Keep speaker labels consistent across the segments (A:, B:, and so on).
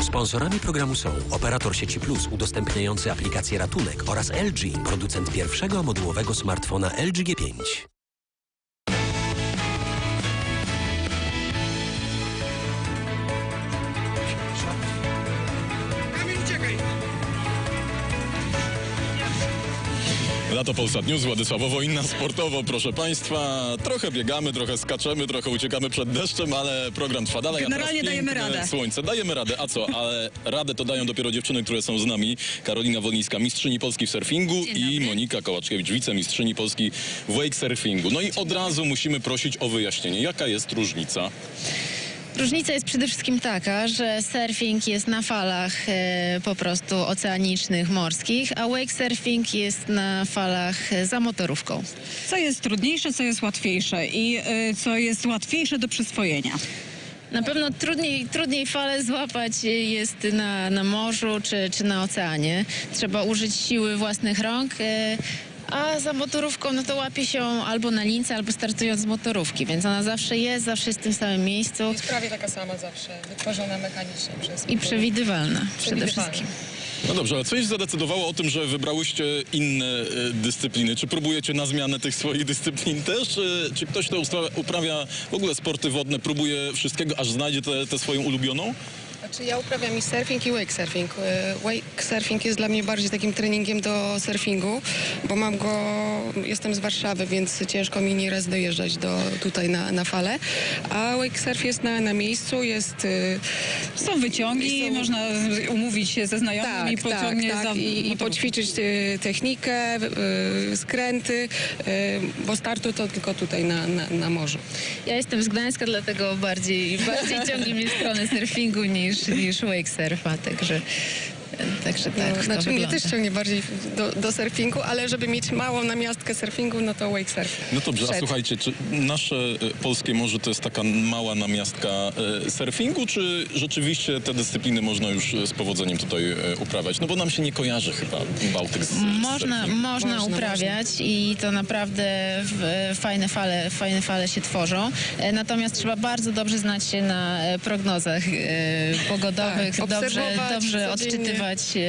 A: Sponsorami programu są operator sieci Plus udostępniający aplikację Ratunek oraz LG, producent pierwszego modułowego smartfona LG G5.
B: Lato Polsat News, Władysław Wojna, sportowo, proszę Państwa. Trochę biegamy, trochę skaczemy, trochę uciekamy przed deszczem, ale program trwa dalej.
C: Generalnie dajemy radę.
B: Słońce, dajemy radę, a co? Ale radę to dają dopiero dziewczyny, które są z nami. Karolina Wolniska, mistrzyni Polski w surfingu i Monika Kołaczkiewicz, wicemistrzyni Polski w wake surfingu. No i od razu musimy prosić o wyjaśnienie, jaka jest różnica?
D: Różnica jest przede wszystkim taka, że surfing jest na falach po prostu oceanicznych, morskich, a wake surfing jest na falach za motorówką.
C: Co jest trudniejsze, co jest łatwiejsze i co jest łatwiejsze do przyswojenia?
D: Na pewno trudniej fale złapać jest na morzu czy na oceanie. Trzeba użyć siły własnych rąk. A za motorówką, no to łapie się albo na lince, albo startując z motorówki, więc ona zawsze jest w tym samym miejscu.
E: Jest prawie taka sama zawsze, wytworzona mechanicznie przez...
D: I przewidywalna przede wszystkim.
B: No dobrze, ale coś zadecydowało o tym, że wybrałyście inne dyscypliny? Czy próbujecie na zmianę tych swoich dyscyplin też? Czy ktoś, kto uprawia w ogóle sporty wodne, próbuje wszystkiego, aż znajdzie tę swoją ulubioną?
E: Znaczy ja uprawiam i surfing, i wake surfing. Wake surfing jest dla mnie bardziej takim treningiem do surfingu, bo jestem z Warszawy, więc ciężko mi nieraz dojeżdżać tutaj na falę. A wake surf jest na miejscu,
C: Są wyciągi, można umówić się ze znajomymi,
E: i poćwiczyć technikę, skręty, bo startu to tylko tutaj na morzu.
D: Ja jestem z Gdańska, dlatego bardziej ciągnie mnie w stronę surfingu niż wake surfa, także tak.
E: Znaczy mnie też ciągnie bardziej do surfingu, ale żeby mieć małą namiastkę surfingu, no to wake surf.
B: No dobrze, a słuchajcie, czy nasze polskie morze to jest taka mała namiastka surfingu, czy rzeczywiście te dyscypliny można już z powodzeniem tutaj uprawiać? No bo nam się nie kojarzy chyba Bałtyk z
D: Można uprawiać i to naprawdę fajne fale się tworzą. Natomiast trzeba bardzo dobrze znać się na prognozach pogodowych, dobrze odczytywać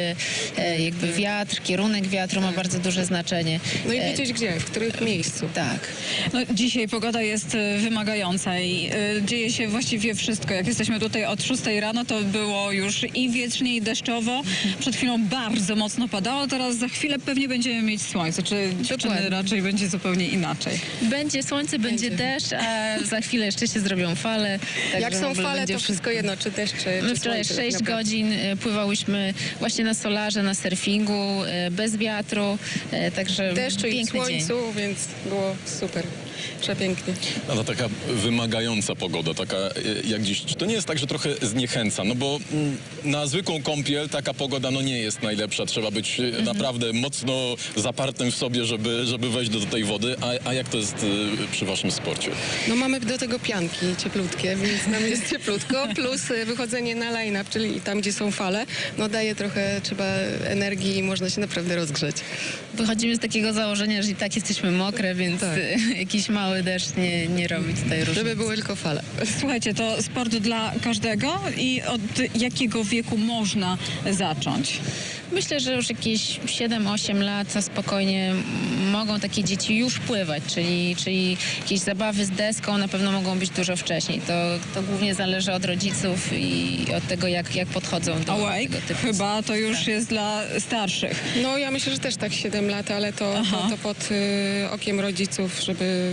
D: jakby wiatr, kierunek wiatru ma bardzo duże znaczenie.
E: No i wiedzieć gdzie, w którym miejscu.
D: Tak.
C: No, dzisiaj pogoda jest wymagająca i dzieje się właściwie wszystko. Jak jesteśmy tutaj od 6 rano, to było już i wietrznie, i deszczowo. Przed chwilą bardzo mocno padało, teraz za chwilę pewnie będziemy mieć słońce. Czy dziewczyny raczej będzie zupełnie inaczej?
D: Będzie słońce, będzie deszcz, a za chwilę jeszcze się zrobią fale.
E: Jak są fale, to wszystko jedno, czy deszcz, czy
D: My wczoraj 6 godzin pływałyśmy właśnie na solarze, na surfingu, bez wiatru, także
E: deszczu i
D: piękny
E: słońcu,
D: dzień.
E: więc było super. Przepięknie.
B: No to taka wymagająca pogoda, taka jak dziś. Czy to nie jest tak, że trochę zniechęca? No bo na zwykłą kąpiel taka pogoda no nie jest najlepsza. Trzeba być naprawdę mocno zapartym w sobie, żeby wejść do tej wody. A jak to jest przy waszym sporcie?
E: No mamy do tego pianki cieplutkie, więc nam jest cieplutko, plus wychodzenie na line-up, czyli tam, gdzie są fale, no daje trochę, trzeba energii i można się naprawdę rozgrzeć.
D: Wychodzimy z takiego założenia, że i tak jesteśmy mokre, więc jakiś mały deszcz nie robi tutaj różnicy.
E: Żeby były tylko fale.
C: Słuchajcie, to sport dla każdego i od jakiego wieku można zacząć?
D: Myślę, że już jakieś 7-8 lat spokojnie mogą takie dzieci już pływać, czyli jakieś zabawy z deską na pewno mogą być dużo wcześniej. To głównie zależy od rodziców i od tego, jak podchodzą do tego typu.
C: Chyba to już jest dla starszych.
E: No ja myślę, że też tak 7 lat, ale to pod okiem rodziców, żeby...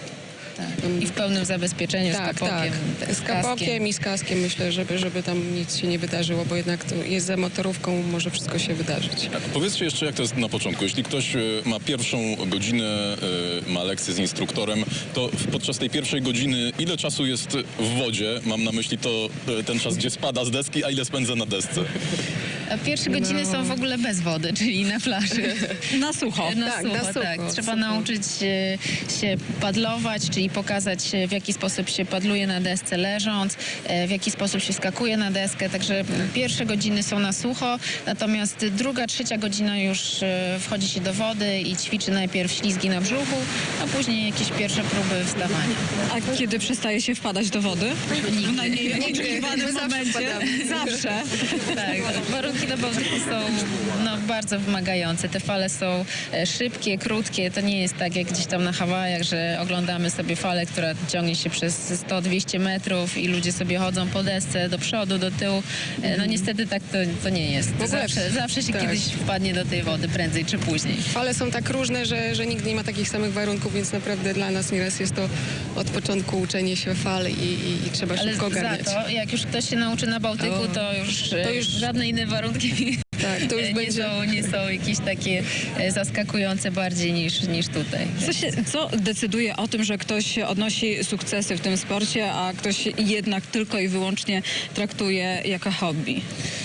D: I w pełnym zabezpieczeniu, z kapokiem.
E: Z kapokiem i z kaskiem myślę, żeby tam nic się nie wydarzyło, bo jednak to jest za motorówką, może wszystko się wydarzyć.
B: Powiedzcie jeszcze, jak to jest na początku. Jeśli ktoś ma pierwszą godzinę, ma lekcję z instruktorem, to podczas tej pierwszej godziny ile czasu jest w wodzie? Mam na myśli ten czas, gdzie spada z deski, a ile spędza na desce?
D: A pierwsze godziny są w ogóle bez wody, czyli na plaży.
C: Na sucho.
E: Tak, na sucho,
D: tak. Trzeba
E: sucho.
D: nauczyć się padlować, czyli pokazać, w jaki sposób się padluje na desce leżąc, w jaki sposób się skakuje na deskę. Także pierwsze godziny są na sucho, natomiast druga, trzecia godzina już wchodzi się do wody i ćwiczy najpierw ślizgi na brzuchu, a później jakieś pierwsze próby wstawania.
C: A kiedy przestaje się wpadać do wody? W najmniej oczekiwanym
E: My zawsze
C: momencie.
E: wpadamy.
C: Zawsze.
D: Tak, warunki na Bałtyku są bardzo wymagające. Te fale są szybkie, krótkie. To nie jest tak jak gdzieś tam na Hawajach, że oglądamy sobie falę, która ciągnie się przez 100-200 metrów i ludzie sobie chodzą po desce do przodu, do tyłu. No niestety tak to nie jest.
E: ogóle
D: Zawsze się
E: tak.
D: kiedyś wpadnie do tej wody, prędzej czy później.
E: Fale są tak różne, że nigdy nie ma takich samych warunków, więc naprawdę dla nas nieraz jest to od początku uczenie się fal i trzeba
D: Ale
E: szybko
D: za
E: ogarniać.
D: to, jak już ktoś się nauczy na Bałtyku, to już żadne inne warunki
E: Tak, to już będzie...
D: nie są jakieś takie zaskakujące bardziej niż tutaj.
C: Co decyduje o tym, że ktoś odnosi sukcesy w tym sporcie, a ktoś jednak tylko i wyłącznie traktuje jako hobby?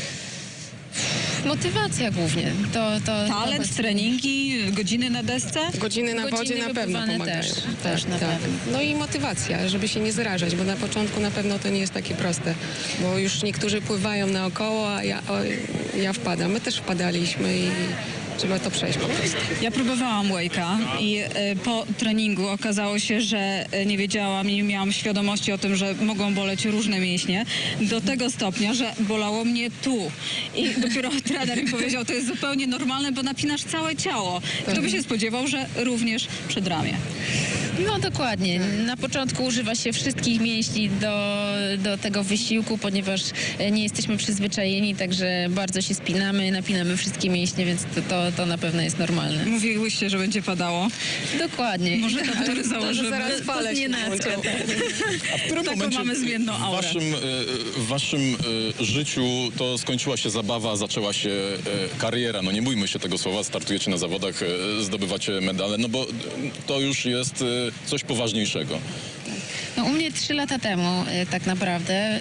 D: Motywacja głównie.
C: Talent, treningi, godziny na desce?
E: Godziny na wodzie
D: Godziny
E: na pewno
D: wypływane
E: pomagają.
D: też na pewno.
E: No i motywacja, żeby się nie zrażać, bo na początku na pewno to nie jest takie proste, bo już niektórzy pływają naokoło, a ja wpadam. My też wpadaliśmy i trzeba to przejść po prostu.
C: Ja próbowałam wake'a i po treningu okazało się, że nie wiedziałam i nie miałam świadomości o tym, że mogą boleć różne mięśnie do tego stopnia, że bolało mnie tu. I dopiero trener mi powiedział, to jest zupełnie normalne, bo napinasz całe ciało. Kto by się spodziewał, że również przedramię.
D: No dokładnie. Na początku używa się wszystkich mięśni do tego wysiłku, ponieważ nie jesteśmy przyzwyczajeni, także bardzo się spinamy, napinamy wszystkie mięśnie, więc to na pewno jest normalne.
C: Mówiłyście, że będzie padało.
D: Dokładnie.
C: Może kaptury założymy.
E: zaraz fale się
D: nienacka.
E: włączą.
B: A w którym
C: Taką
B: momencie
C: mamy zmienną aurę.
B: w waszym życiu to skończyła się zabawa, zaczęła się kariera? No nie bójmy się tego słowa, startujecie na zawodach, zdobywacie medale, no bo to już jest coś poważniejszego.
D: No, u mnie 3 lata temu tak naprawdę,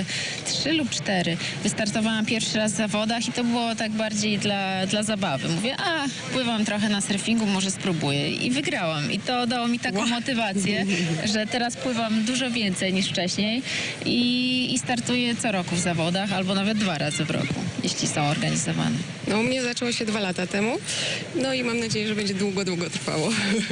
D: 3 lub 4, wystartowałam pierwszy raz w zawodach i to było tak bardziej dla zabawy. Mówię, pływam trochę na surfingu, może spróbuję. I wygrałam. I to dało mi taką motywację, że teraz pływam dużo więcej niż wcześniej i startuję co roku w zawodach, albo nawet 2 razy w roku, jeśli są organizowane.
E: No u mnie zaczęło się 2 lata temu, no i mam nadzieję, że będzie długo trwało.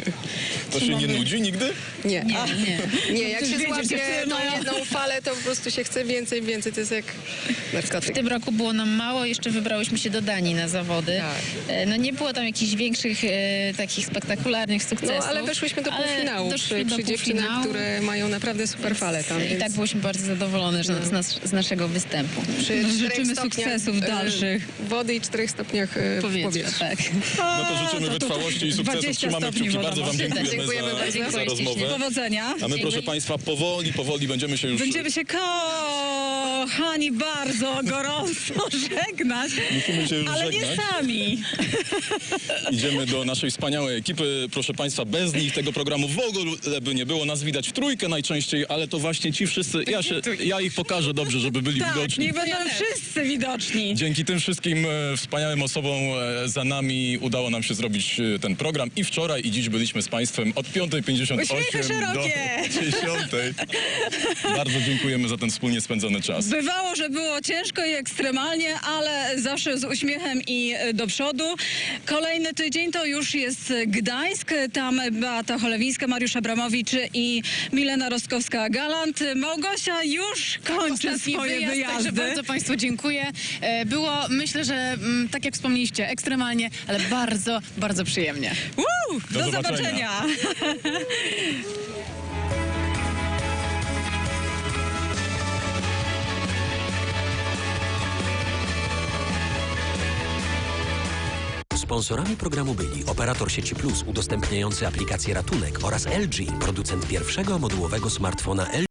B: To się nie nudzi nigdy?
E: Nie. Nie, jak
C: Ktoś
E: się
C: wiedzie,
E: złapie
C: dziewczyny
E: tą
C: mają.
E: jedną falę, to po prostu się chce więcej, to jest jak
D: W
E: narkotyk.
D: tym roku było nam mało, jeszcze wybrałyśmy się do Danii na zawody.
E: Tak.
D: No nie było tam jakichś większych, takich spektakularnych
E: No
D: sukcesów.
E: ale weszłyśmy do
D: ale
E: półfinału
D: doszły do
E: przy dziewczynach,
D: półfinału.
E: które mają naprawdę super fale tam.
D: I
E: więc
D: tak byliśmy bardzo zadowolone że z naszego występu.
E: przy 4
C: Życzymy
E: stopniach,
C: sukcesów dalszych.
E: Wody i 4 stopniach w
D: Powietrze,
E: powietrzu.
D: tak.
B: No to życzymy wytrwałości i sukcesów.
C: 20
B: Trzymamy
C: stopni
B: kciuki. Bardzo wam
C: wodowa.
B: dziękujemy,
E: Dziękujemy bardzo.
B: za
D: Dziękuję
B: rozmowę.
D: ślicznie.
C: Powodzenia.
B: A my, proszę państwa, powoli będziemy się już...
C: Będziemy się kochani bardzo gorąco żegnać,
B: Musimy się już
C: ale nie
B: żegnać.
C: sami.
B: Idziemy do naszej wspaniałej ekipy. Proszę państwa, bez nich tego programu w ogóle by nie było. Nas widać w trójkę najczęściej, ale to właśnie ci wszyscy, ja ich pokażę dobrze, żeby byli
C: Tak,
B: widoczni.
C: niech będą wszyscy widoczni.
B: Dzięki tym wszystkim wspaniałym osobom za nami udało nam się zrobić ten program i wczoraj i dziś byliśmy z państwem od 5:58
C: Uśmiechy
B: do
C: szerokie.
B: 10:00. Bardzo dziękujemy za ten wspólnie spędzony czas.
C: Bywało, że było ciężko i ekstremalnie, ale zawsze z uśmiechem i do przodu. Kolejny tydzień to już jest Gdańsk. Tam Beata Cholewińska, Mariusz Abramowicz i Milena Rostkowska-Galant. Małgosia już kończy
F: Ostatni
C: swoje
F: wyjazd,
C: wyjazdy.
F: Także bardzo Państwu dziękuję. Było, myślę, że tak jak wspomnieliście, ekstremalnie, ale bardzo, bardzo przyjemnie.
C: Do
B: zobaczenia.
C: zobaczenia.
A: Sponsorami programu byli operator sieci Plus udostępniający aplikację Ratunek oraz LG, producent pierwszego modułowego smartfona LG.